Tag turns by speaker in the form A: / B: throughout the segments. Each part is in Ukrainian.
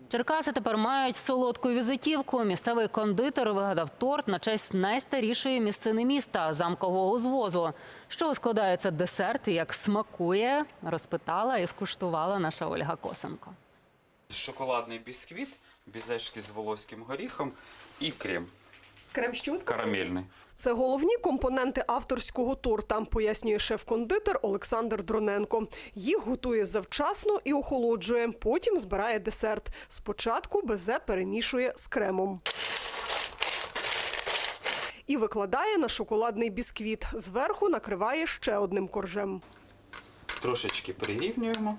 A: Черкаси тепер мають солодку візитівку. Місцевий кондитер вигадав торт на честь найстарішої місцини міста – Замкового узвозу. Що складається десерт і як смакує, розпитала і скуштувала наша Ольга Косенко.
B: Шоколадний бісквіт, бізешки з волоським горіхом і крем.
C: Крем що?
B: Карамельний.
C: Це головні компоненти авторського торта, пояснює шеф-кондитер Олександр Дроненко. Їх готує завчасно і охолоджує, потім збирає десерт. Спочатку безе перемішує з кремом. І викладає на шоколадний бісквіт. Зверху накриває ще одним коржем.
B: Трошечки прирівнюємо.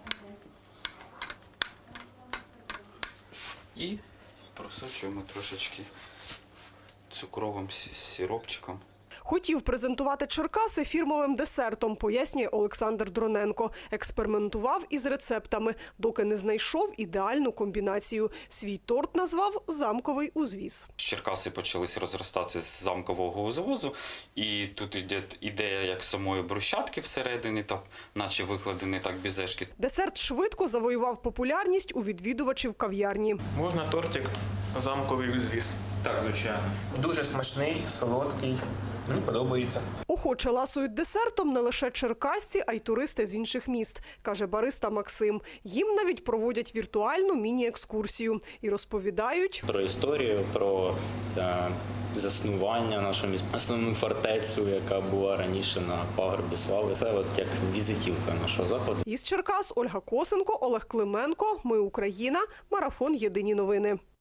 B: І просочуємо трошечки цукровим сиропчиком.
C: Хотів презентувати Черкаси фірмовим десертом, пояснює Олександр Дроненко. Експериментував із рецептами, доки не знайшов ідеальну комбінацію. Свій торт назвав «Замковий узвіз».
B: Черкаси почалися розростатися з замкового узвозу, і тут йде ідея як самої брусчатки всередині, так, наче викладені так бізешки.
C: Десерт швидко завоював популярність у відвідувачів кав'ярні.
D: Можна тортик «Замковий узвіз».
E: Так, звичайно. Дуже смачний, солодкий. Мені подобається.
C: Охоче ласують десертом не лише черкасці, а й туристи з інших міст, каже бариста Максим. Їм навіть проводять віртуальну міні-екскурсію і розповідають
F: про історію, про заснування нашого міста, основну фортецю, яка була раніше на пагорбі слави. Це от як візитівка нашого заходу.
C: із Черкас Ольга Косенко, Олег Клименко. Ми Україна. Марафон. Єдині новини.